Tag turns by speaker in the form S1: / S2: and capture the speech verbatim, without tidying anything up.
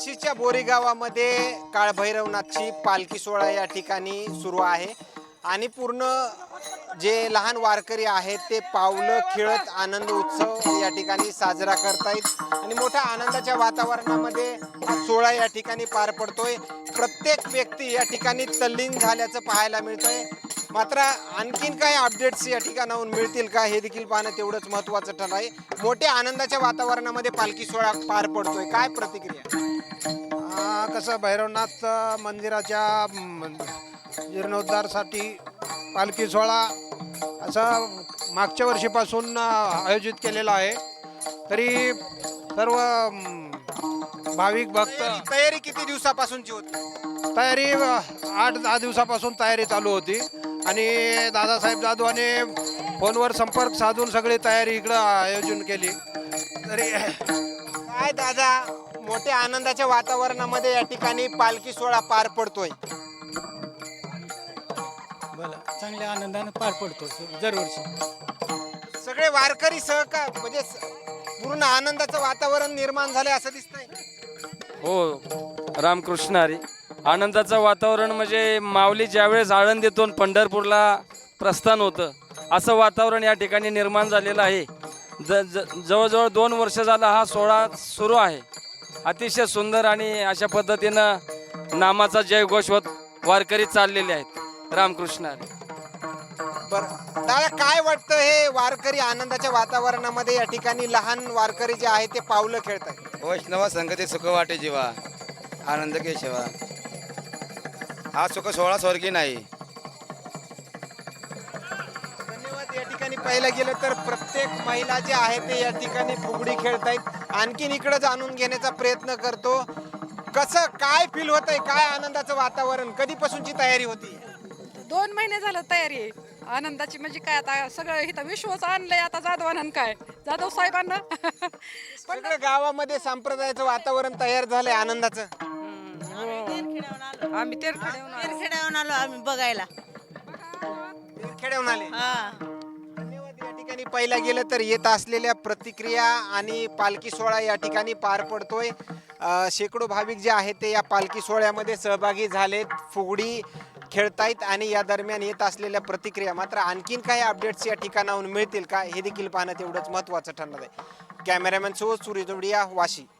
S1: वाशीच्या बोरी गावामध्ये काळभैरवनाथची पालखी सोहळा या ठिकाणी सुरू आहे आणि पूर्ण जे लहान वारकरी आहेत ते पावलं खेळत आनंद उत्सव या ठिकाणी साजरा करतायत आणि मोठ्या आनंदाच्या वातावरणामध्ये हा सोहळा या ठिकाणी पार पडतोय। प्रत्येक व्यक्ती या ठिकाणी तल्लीन झाल्याचं पाहायला मिळतंय। मात्र आणखीन काही अपडेट्स या ठिकाणाहून मिळतील का हे देखील पाहणं तेवढंच महत्त्वाचं ठरलं आहे। मोठ्या आनंदाच्या वातावरणामध्ये पालखी सोहळा पार पडतोय, काय प्रतिक्रिया?
S2: कसं भैरवनाथ मंदिराच्या जीर्णोद्धारसाठी पालखी सोहळा असा मागच्या वर्षीपासून आयोजित केलेला आहे। तरी सर्व भाविक भक्त
S1: तयारी किती दिवसापासूनची होती?
S2: तयारी आठ दहा दिवसापासून तयारी चालू होती आणि दादासाहेब जाधवाने फोनवर संपर्क साधून सगळी तयारी इकडं आयोजन केली। तरी
S1: काय दादा, मोठ्या आनंदाच्या वातावरणामध्ये या ठिकाणी पालखी सोहळा पार पडतोय।
S3: बोला, चांगल्या आनंदाने पार पडतो दरवर्षी।
S1: सगळे वारकरी सहकार म्हणजे पूर्ण आनंदाचं वातावरण निर्माण झालंय असं दिसतंय।
S4: हो, रामकृष्ण हरी। आनंदाचं वातावरण म्हणजे माऊली ज्यावेळेस आळंदीतून पंढरपूरला प्रस्थान होतं असं वातावरण या ठिकाणी निर्माण झालेलं आहे। ज ज जवळजवळ दोन वर्ष झाला हा सोहळा सुरू आहे। अतिशय सुंदर आणि अशा पद्धतीनं नामाचा जयघोष होत वारकरी चाललेले आहेत। रामकृष्ण हरी।
S1: बरं दादा, काय वाटतं हे वारकरी आनंदाच्या वातावरणामध्ये या ठिकाणी लहान वारकरी जे आहे ते पावलं खेळतात?
S5: वैष्णव संगती सुख वाटे जीवा, आनंद केशवा। हा सुख सोहळा स्वर्गी नाही।
S1: धन्यवाद। या ठिकाणी पाहिलं गेलं तर प्रत्येक महिला जे आहे ते या ठिकाणी फुगडी खेळतायत। आणखीन इकडे जाणून घेण्याचा प्रयत्न करतो, कसं काय फील होतंय, काय आनंदाचं वातावरण, कधीपासूनची तयारी होती?
S6: दोन महिने झालं तयारी आहे आनंदाची। म्हणजे काय आता सगळं इथं विश्वच आणलंय आता जाधवानं, काय जाधव साहेबांना
S1: सगळं गावामध्ये संप्रदायाचं वातावरण तयार झालंय आनंदाचं।
S6: आम्ही तेरखेड्याहून आलो.
S7: तेरखेड्याहून आलो आम्ही बघायला।
S1: खेळवून आले।
S7: हा,
S1: धन्यवाद। या ठिकाणी पाहिलं गेलं तर येत असलेल्या प्रतिक्रिया आणि पालखी सोहळा या ठिकाणी पार पडतोय। अ, शेकडो भाविक जे आहेत ते या पालखी सोहळ्यामध्ये सहभागी झालेत, फुगडी खेळतायत आणि या दरम्यान येत असलेल्या प्रतिक्रिया। मात्र आणखीन काही अपडेट्स या ठिकाणाहून मिळतील का हे देखील पाहणं तेवढंच महत्त्वाचं ठरणार आहे। कॅमेरामॅन सो सूर्य जोडिया, वाशी।